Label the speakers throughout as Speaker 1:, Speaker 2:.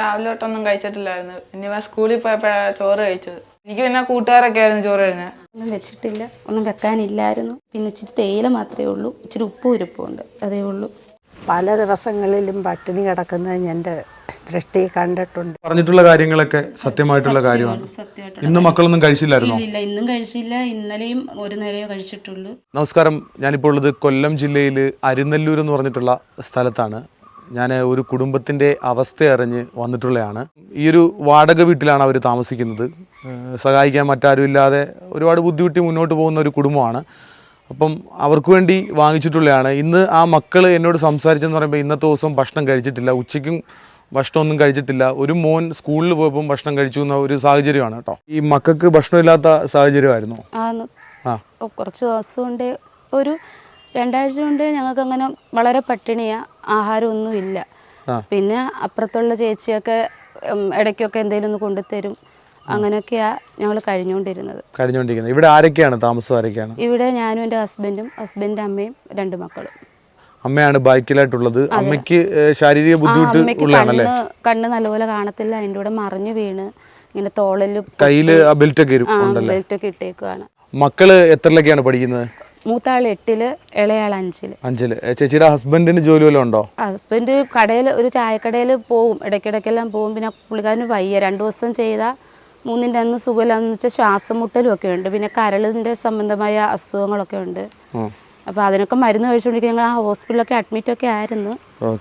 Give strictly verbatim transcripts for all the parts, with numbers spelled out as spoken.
Speaker 1: രാവിലെ തൊട്ടൊന്നും കഴിച്ചിട്ടില്ലായിരുന്നു. ഇനി സ്കൂളിൽ പോയപ്പോഴാണ് ചോറ് കഴിച്ചത്. എനിക്ക് പിന്നെ കൂട്ടുകാരൊക്കെ ആയിരുന്നു ചോറ് കഴിഞ്ഞത്.
Speaker 2: ഒന്നും വെച്ചിട്ടില്ല, ഒന്നും വെക്കാനില്ലായിരുന്നു. പിന്നെ ഇച്ചിരി തേയില മാത്രമേ ഉള്ളൂ, ഇച്ചിരി ഉപ്പും ഇരിപ്പുണ്ട്, അതേ ഉള്ളൂ.
Speaker 3: പല ദിവസങ്ങളിലും പട്ടിണി കിടക്കുന്നത് എൻ്റെ ദൃഷ്ടി കണ്ടിട്ടുണ്ട്.
Speaker 4: പറഞ്ഞിട്ടുള്ള കാര്യങ്ങളൊക്കെ സത്യമായിട്ടുള്ള കാര്യമാണ്. ഇന്ന് മക്കളൊന്നും കഴിച്ചില്ലായിരുന്നോ?
Speaker 2: ഇല്ല, ഇന്നും കഴിച്ചില്ല, ഇന്നലെയും ഒരു നേരമേ കഴിച്ചിട്ടുള്ളൂ.
Speaker 4: നമസ്കാരം, ഞാനിപ്പോൾ ഉള്ളത് കൊല്ലം ജില്ലയിൽ അരിനെല്ലൂർ എന്ന് പറഞ്ഞിട്ടുള്ള സ്ഥലത്താണ്. ഞാൻ ഒരു കുടുംബത്തിൻ്റെ അവസ്ഥ അറിഞ്ഞ് വന്നിട്ടുള്ളതാണ്. ഈ ഒരു വാടക വീട്ടിലാണ് അവർ താമസിക്കുന്നത്. സഹായിക്കാൻ മറ്റാരും ഇല്ലാതെ ഒരുപാട് ബുദ്ധിമുട്ടി മുന്നോട്ട് പോകുന്ന ഒരു കുടുംബമാണ്. അപ്പം അവർക്ക് വേണ്ടി വാങ്ങിച്ചിട്ടുള്ളതാണ്. ഇന്ന് ആ മക്കൾ എന്നോട് സംസാരിച്ചെന്ന് പറയുമ്പോൾ ഇന്നത്തെ ദിവസം ഭക്ഷണം കഴിച്ചിട്ടില്ല, ഉച്ചയ്ക്കും ഭക്ഷണമൊന്നും കഴിച്ചിട്ടില്ല. ഒരു മോൻ സ്കൂളിൽ പോയപ്പം ഭക്ഷണം കഴിച്ചു എന്ന ഒരു സാഹചര്യമാണ് കേട്ടോ. ഈ മക്കൾക്ക് ഭക്ഷണമില്ലാത്ത സാഹചര്യമായിരുന്നു.
Speaker 2: ആ കുറച്ച് ദിവസം കൊണ്ട് ഒരു രണ്ടാഴ്ച കൊണ്ട് ഞങ്ങൾക്ക് അങ്ങനെ വളരെ പട്ടിണിയാ, ആഹാരമൊന്നുമില്ല. പിന്നെ അപ്പുറത്തുള്ള ചേച്ചിയൊക്കെ ഇടയ്ക്കൊക്കെ എന്തെങ്കിലും ഒന്ന് കൊണ്ടുതരും. അങ്ങനെയൊക്കെയാ ഞങ്ങൾ കഴിഞ്ഞുകൊണ്ടിരുന്നത്
Speaker 4: കഴിഞ്ഞുകൊണ്ടിരിക്കുന്നത് ഇവിടെ ആരൊക്കെയാണ് താമസം? ആരൊക്കെയാണ്
Speaker 2: ഇവിടെ? ഞാനും എൻ്റെ ഹസ്ബൻഡും ഹസ്ബൻഡിൻ്റെ അമ്മയും രണ്ട് മക്കളും.
Speaker 4: അമ്മയാണ് ബാക്കിലായിട്ടുള്ളത്. അമ്മയ്ക്ക് ശാരീരിക ബുദ്ധിമുട്ട് ഉള്ളതാണല്ലേ?
Speaker 2: കണ്ണ് നല്ലപോലെ കാണത്തില്ല, അതിൻ്റെ കൂടെ മറിഞ്ഞു വീണ് ഇങ്ങനെ തോളില്
Speaker 4: കയ്യില് ബെൽറ്റ് ഒക്കെ
Speaker 2: ബെൽറ്റ് ഒക്കെ ഇട്ടേക്കാണ്.
Speaker 4: മക്കള് എത്രയിലൊക്കെയാണ് പഠിക്കുന്നത്?
Speaker 2: മൂത്താൾ എട്ടില്, ഇളയാൾ അഞ്ചില്.
Speaker 4: അഞ്ചില്. ചേച്ചിയുടെ ഹസ്ബൻഡിന് ജോലി വല്ലതും ഉണ്ടോ?
Speaker 2: ഹസ്ബൻഡ് കടയിൽ, ഒരു ചായക്കടയിൽ പോവും, ഇടയ്ക്കിടയ്ക്കെല്ലാം പോവും. പിന്നെ പുള്ളിക്കാരന് വയ്യ, രണ്ടു ദിവസം ചെയ്താൽ മൂന്നിൻ്റെ അന്ന് സുഖമില്ലാന്ന് വെച്ചാൽ ശ്വാസം മുട്ടലും ഒക്കെ ഉണ്ട്. പിന്നെ കരളിൻ്റെ സംബന്ധമായ അസുഖങ്ങളൊക്കെ ഉണ്ട്. അപ്പോൾ അതിനൊക്കെ മരുന്ന് കഴിച്ചുകൊണ്ടിരിക്കുക. ഞങ്ങൾ ആ ഹോസ്പിറ്റലൊക്കെ അഡ്മിറ്റ് ഒക്കെ ആയിരുന്നു.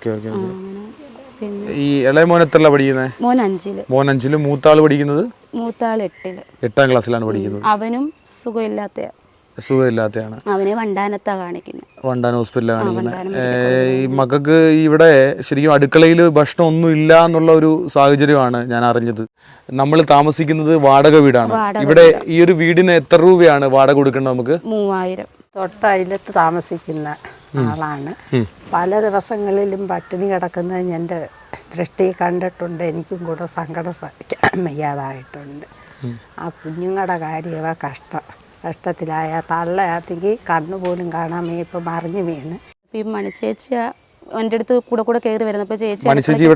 Speaker 4: പിന്നെ ഈ ഇളയ മോൻ എത്രയിലാണ് പഠിക്കുന്നത്?
Speaker 2: മോൻ അഞ്ചില്.
Speaker 4: മോൻ അഞ്ചില്. മൂത്താൾ പഠിക്കുന്നത്?
Speaker 2: മൂത്താൾ എട്ടില്,
Speaker 4: എട്ടാം ക്ലാസ്സിലാണ് പഠിക്കുന്നത്.
Speaker 2: അവനും സുഖമില്ലാത്ത
Speaker 4: സുഖമില്ലാത്തയാണ്.
Speaker 2: അവനെ വണ്ടാനത്താ കാണിക്കുന്നത്.
Speaker 4: വണ്ടാന ഹോസ്പിറ്റലാണ് കാണിക്കുന്നത്. ഈ മക്കൾക്ക് ഇവിടെ ശരിക്കും അടുക്കളയിൽ ഭക്ഷണം ഒന്നും ഇല്ല എന്നുള്ള ഒരു സാഹചര്യമാണ് ഞാൻ അറിഞ്ഞത്. നമ്മൾ താമസിക്കുന്നത് വാടക വീടാണ്. ഇവിടെ ഈ ഒരു വീടിന് എത്ര രൂപയാണ് വാടക കൊടുക്കേണ്ടത് നമുക്ക്?
Speaker 2: മൂവായിരം.
Speaker 3: തൊട്ടയിലത്ത് താമസിക്കുന്ന ആളാണ്. പല ദിവസങ്ങളിലും പട്ടിണി കിടക്കുന്നത് എൻ്റെ ദൃഷ്ടി കണ്ടിട്ടുണ്ട്. എനിക്കും കൂടെ സങ്കടം സഹിക്കാൻ വയ്യാതായിട്ടുണ്ട്. ആ കുഞ്ഞുങ്ങളുടെ കാര്യമാ കഷ്ടം. കഷ്ടത്തിലായ തള്ളയാണെങ്കിൽ കണ്ണുപോലും കാണാൻ ഇപ്പം മറിഞ്ഞു വീണ്.
Speaker 2: ഈ മണിച്ചേച്ചി എൻ്റെ അടുത്ത് കൂടെ കൂടെ കയറി വരുന്നത്. അപ്പോൾ ചേച്ചി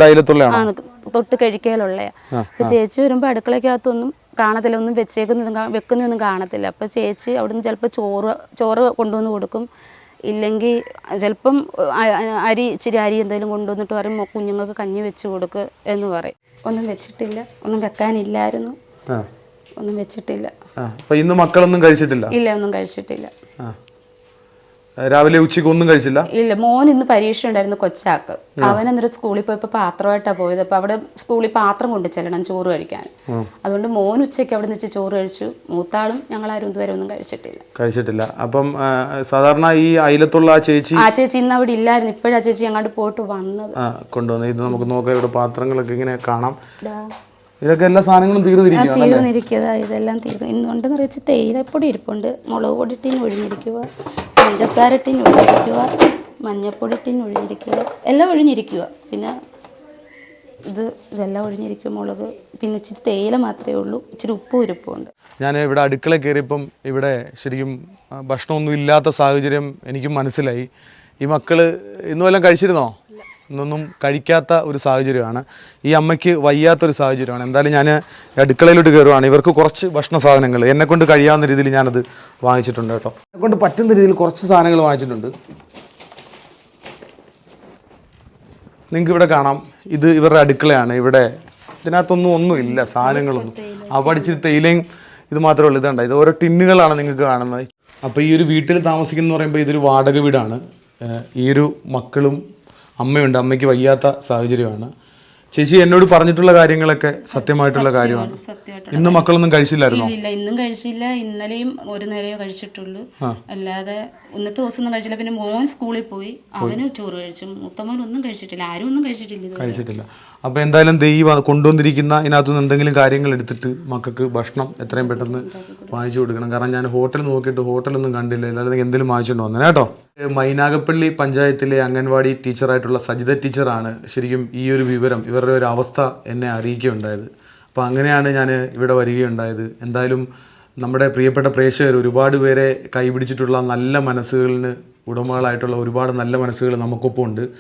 Speaker 2: തൊട്ട് കഴിക്കലുള്ള. അപ്പോൾ ചേച്ചി വരുമ്പോൾ അടുക്കളയ്ക്കകത്തൊന്നും കാണത്തില്ല, ഒന്നും വെച്ചേക്കുന്നതും വെക്കുന്നതൊന്നും കാണത്തില്ല. അപ്പോൾ ചേച്ചി അവിടുന്ന് ചിലപ്പോൾ ചോറ് ചോറ് കൊണ്ടുവന്ന് കൊടുക്കും, ഇല്ലെങ്കിൽ ചിലപ്പം അരി ഇച്ചിരി അരി എന്തെങ്കിലും കൊണ്ടുവന്നിട്ട് പറയും കുഞ്ഞുങ്ങൾക്ക് കഞ്ഞി വെച്ച് കൊടുക്കുക എന്ന് പറയും. ഒന്നും വെച്ചിട്ടില്ല, ഒന്നും വെക്കാനില്ലായിരുന്നു, ഒന്നും വെച്ചിട്ടില്ല.
Speaker 4: ഇന്ന് മക്കളൊന്നും കഴിച്ചിട്ടില്ല?
Speaker 2: ഇല്ല, ഒന്നും കഴിച്ചിട്ടില്ല.
Speaker 4: രാവിലെ ഉച്ചയ്ക്ക് ഒന്നും കഴിച്ചില്ല?
Speaker 2: ഇല്ല. മോൻ ഇന്ന് പരീക്ഷ ഉണ്ടായിരുന്നു, കൊച്ചാക്ക്. അവൻ എന്നിട്ട് സ്കൂളിൽ പോയപ്പോൾ പാത്രമായിട്ടാണ് പോയത്. അപ്പോൾ അവിടെ സ്കൂളിൽ പാത്രം കൊണ്ട് ചെല്ലണം ചോറ് കഴിക്കാൻ. അതുകൊണ്ട് മോൻ ഉച്ചയ്ക്ക് അവിടെ നിന്ന് ചോറ് കഴിച്ചു. മൂത്താളും ഞങ്ങളാരും ഇതുവരെ ഒന്നും കഴിച്ചിട്ടില്ല
Speaker 4: കഴിച്ചിട്ടില്ല അപ്പം സാധാരണ ഈ അയലത്തുള്ള ആ ചേച്ചി
Speaker 2: ആ ചേച്ചി ഇന്ന് അവിടെ ഇല്ലായിരുന്നു. ഇപ്പോഴാ ചേച്ചി അങ്ങോട്ട് പോയിട്ട് വന്നത്,
Speaker 4: കൊണ്ടുവന്നത്. ഇത് നമുക്ക് നോക്കാം. ഇവിടെ പാത്രങ്ങളൊക്കെ ഇങ്ങനെ കാണാം. ഇതൊക്കെ എല്ലാ സാധനങ്ങളും തീർന്നിരിക്കുക.
Speaker 2: ഇതെല്ലാം തീർന്നു. ഇന്നുണ്ടെന്ന് വെച്ച് തേയിലപ്പൊടി ഇരിപ്പുണ്ട്, മുളക് പൊടി ടീൻ ഒഴിഞ്ഞിരിക്കുക, പഞ്ചസാര ടീൻ ഒഴിഞ്ഞിരിക്കുക, മഞ്ഞപ്പൊടി ടീൻ ഒഴിഞ്ഞിരിക്കുക, എല്ലാം ഒഴിഞ്ഞിരിക്കുക. പിന്നെ ഇത് ഇതെല്ലാം ഒഴിഞ്ഞിരിക്കുക, മുളക്. പിന്നെ ഇച്ചിരി തേയില മാത്രമേ ഉള്ളൂ, ഇച്ചിരി ഉപ്പും ഇരിപ്പുണ്ട്.
Speaker 4: ഞാൻ ഇവിടെ അടുക്കള കയറിയപ്പം ഇവിടെ ശരിക്കും ഭക്ഷണമൊന്നും ഇല്ലാത്ത സാഹചര്യം എനിക്ക് മനസ്സിലായി. ഈ മക്കള് ഇന്നും എല്ലാം കഴിച്ചിരുന്നോ? ഇന്നൊന്നും കഴിക്കാത്ത ഒരു സാഹചര്യമാണ്. ഈ അമ്മയ്ക്ക് വയ്യാത്തൊരു സാഹചര്യമാണ്. എന്തായാലും ഞാൻ അടുക്കളയിലോട്ട് കയറുവാണ്. ഇവർക്ക് കുറച്ച് ഭക്ഷണ സാധനങ്ങൾ എന്നെക്കൊണ്ട് കഴിയാവുന്ന രീതിയിൽ ഞാനത് വാങ്ങിച്ചിട്ടുണ്ട് കേട്ടോ. എന്നെക്കൊണ്ട് പറ്റുന്ന രീതിയിൽ കുറച്ച് സാധനങ്ങൾ വാങ്ങിച്ചിട്ടുണ്ട്. നിങ്ങൾക്ക് ഇവിടെ കാണാം, ഇത് ഇവരുടെ അടുക്കളയാണ്. ഇവിടെ ഇതിനകത്തൊന്നും ഒന്നുമില്ല, സാധനങ്ങളൊന്നും. ആ പഠിച്ച് തേയിലയും ഇത് മാത്രമേ ഉള്ളൂ. ഇതുണ്ട്, ഇത് ഓരോ ടിന്നുകളാണ് നിങ്ങൾക്ക് കാണുന്നത്. അപ്പോൾ ഈ ഒരു വീട്ടിൽ താമസിക്കുന്ന പറയുമ്പോൾ ഇതൊരു വാടക വീടാണ്. ഈ ഒരു മക്കളും അമ്മയുണ്ട്. അമ്മയ്ക്ക് വയ്യാത്ത സാഹചര്യമാണ്. ചേച്ചി എന്നോട് പറഞ്ഞിട്ടുള്ള കാര്യങ്ങളൊക്കെ സത്യമായിട്ടുള്ള കാര്യമാണ്. ഇന്ന് മക്കളൊന്നും കഴിച്ചില്ലായിരുന്നോ?
Speaker 2: ഇല്ല, ഇന്നും കഴിച്ചില്ല, ഇന്നലെയും ഒരു നേരമേ കഴിച്ചിട്ടുള്ളൂ. അല്ലാതെ ഇന്നത്തെ ദിവസം ഒന്നും കഴിച്ചില്ല. പിന്നെ മോൻ സ്കൂളിൽ പോയി, അവന് ചോറ് കഴിച്ചു. മൂത്തമോൻ ഒന്നും കഴിച്ചിട്ടില്ല, ആരും ഒന്നും കഴിച്ചിട്ടില്ല
Speaker 4: കഴിച്ചിട്ടില്ല അപ്പോൾ എന്തായാലും ദൈവം കൊണ്ടുവന്നിരിക്കുന്ന ഇതിനകത്തുനിന്ന് എന്തെങ്കിലും കാര്യങ്ങൾ എടുത്തിട്ട് മക്കൾക്ക് ഭക്ഷണം എത്രയും പെട്ടെന്ന് വാങ്ങിച്ചു കൊടുക്കണം. കാരണം ഞാൻ ഹോട്ടൽ നോക്കിയിട്ട് ഹോട്ടലൊന്നും കണ്ടില്ല, എല്ലാവരും എന്തെങ്കിലും വാങ്ങിച്ചുകൊണ്ട് വന്നേ കേട്ടോ. മൈനാഗപ്പള്ളി പഞ്ചായത്തിലെ അംഗൻവാടി ടീച്ചറായിട്ടുള്ള സജിത ടീച്ചറാണ് ശരിക്കും ഈ ഒരു വിവരം, ഇവരുടെ ഒരു അവസ്ഥ എന്നെ അറിയിക്കുകയുണ്ടായത്. അപ്പോൾ അങ്ങനെയാണ് ഞാൻ ഇവിടെ വരികയുണ്ടായത്. എന്തായാലും നമ്മുടെ പ്രിയപ്പെട്ട പ്രേക്ഷകർ ഒരുപാട് പേരെ കൈപിടിച്ചിട്ടുള്ള നല്ല മനസ്സുകളിന് ഉടമകളായിട്ടുള്ള ഒരുപാട് നല്ല മനസ്സുകൾ നമുക്കൊപ്പം ഉണ്ട്.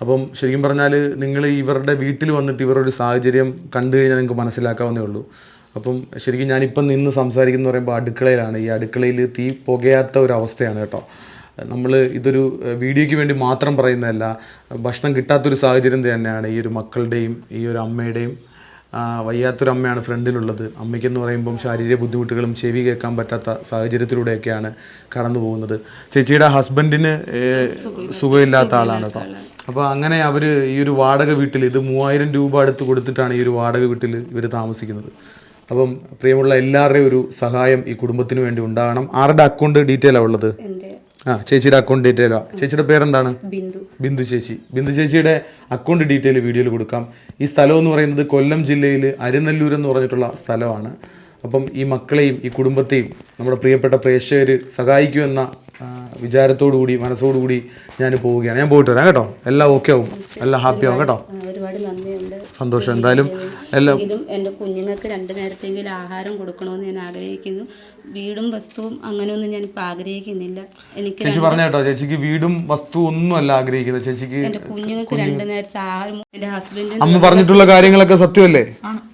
Speaker 4: അപ്പം ശരിക്കും പറഞ്ഞാൽ നിങ്ങൾ ഇവരുടെ വീട്ടിൽ വന്നിട്ട് ഇവരുടെ ഒരു സാഹചര്യം കണ്ടു കഴിഞ്ഞാൽ നിങ്ങൾക്ക് മനസ്സിലാക്കാവുന്നേ ഉള്ളൂ. അപ്പം ശരിക്കും ഞാനിപ്പം നിന്ന് സംസാരിക്കുന്ന പറയുമ്പോൾ അടുക്കളയിലാണ്. ഈ അടുക്കളയിൽ തീ പുകയാത്ത ഒരു അവസ്ഥയാണ് കേട്ടോ. നമ്മൾ ഇതൊരു വീഡിയോയ്ക്ക് വേണ്ടി മാത്രം പറയുന്നതല്ല, ഭക്ഷണം കിട്ടാത്തൊരു സാഹചര്യം തന്നെയാണ് ഈ ഒരു മക്കളുടെയും ഈ ഒരു അമ്മയുടെയും. വയ്യാത്തൊരു അമ്മയാണ് ഫ്രണ്ടിലുള്ളത്. അമ്മയ്ക്കെന്ന് പറയുമ്പം ശാരീരിക ബുദ്ധിമുട്ടുകളും ചെവി കേൾക്കാൻ പറ്റാത്ത സാഹചര്യത്തിലൂടെയൊക്കെയാണ് കടന്നു പോകുന്നത്. ചേച്ചിയുടെ ഹസ്ബൻഡിന് സുഖമില്ലാത്ത ആളാണ് കേട്ടോ. അപ്പോൾ അങ്ങനെ അവർ ഈ ഒരു വാടക വീട്ടിൽ ഇത് മൂവായിരം രൂപ അടുത്ത് കൊടുത്തിട്ടാണ് ഈ ഒരു വാടക വീട്ടിൽ ഇവർ താമസിക്കുന്നത്. അപ്പം പ്രിയമുള്ള എല്ലാവരുടെയും ഒരു സഹായം ഈ കുടുംബത്തിന് വേണ്ടി ഉണ്ടാകണം. ആരുടെ അക്കൗണ്ട് ഡീറ്റെയിലാണ് ഉള്ളത്? ആ ചേച്ചിയുടെ അക്കൗണ്ട് ഡീറ്റെയിലാ. ചേച്ചിയുടെ പേരെന്താണ്?
Speaker 2: ബിന്ദു.
Speaker 4: ബിന്ദു ചേച്ചി. ബിന്ദു ചേച്ചിയുടെ അക്കൗണ്ട് ഡീറ്റെയിൽ വീഡിയോയിൽ കൊടുക്കാം. ഈ സ്ഥലം എന്ന് പറയുന്നത് കൊല്ലം ജില്ലയിൽ അരിനല്ലൂർ എന്ന് പറഞ്ഞിട്ടുള്ള സ്ഥലമാണ്. അപ്പം ഈ മക്കളെയും ഈ കുടുംബത്തെയും നമ്മുടെ പ്രിയപ്പെട്ട പ്രേക്ഷകർ സഹായിക്കുമെന്ന വിചാരത്തോടു കൂടി മനസ്സോടുകൂടി ഞാൻ പോവുകയാണ്. ഞാൻ പോയിട്ട് വരാം കേട്ടോ. എല്ലാം ഓക്കെ ആവും, എല്ലാം ഹാപ്പി ആവും കേട്ടോ.
Speaker 2: ഒരുപാട് നന്ദിയുണ്ട്.
Speaker 4: സന്തോഷം. എന്തായാലും എല്ലാം
Speaker 2: എൻ്റെ കുഞ്ഞുങ്ങൾക്ക് രണ്ടു നേരത്തെങ്കിലും ആഹാരം കൊടുക്കണമെന്ന് ഞാൻ ആഗ്രഹിക്കുന്നു. വീടും വസ്തുവും അങ്ങനെയൊന്നും ഞാൻ ഇപ്പം ആഗ്രഹിക്കുന്നില്ല. എനിക്ക്
Speaker 4: ചേച്ചി പറഞ്ഞ കേട്ടോ, ചേച്ചിക്ക് വീടും വസ്തു ഒന്നും അല്ല ആഗ്രഹിക്കുന്നത്. ചേച്ചിക്ക്
Speaker 2: എൻ്റെ കുഞ്ഞുങ്ങൾക്ക് രണ്ടു നേരത്തെ ആഹാരം, എൻ്റെ ഹസ്ബൻഡിന്
Speaker 4: അമ്മ പറഞ്ഞിട്ടുള്ള കാര്യങ്ങളൊക്കെ സത്യമല്ലേ?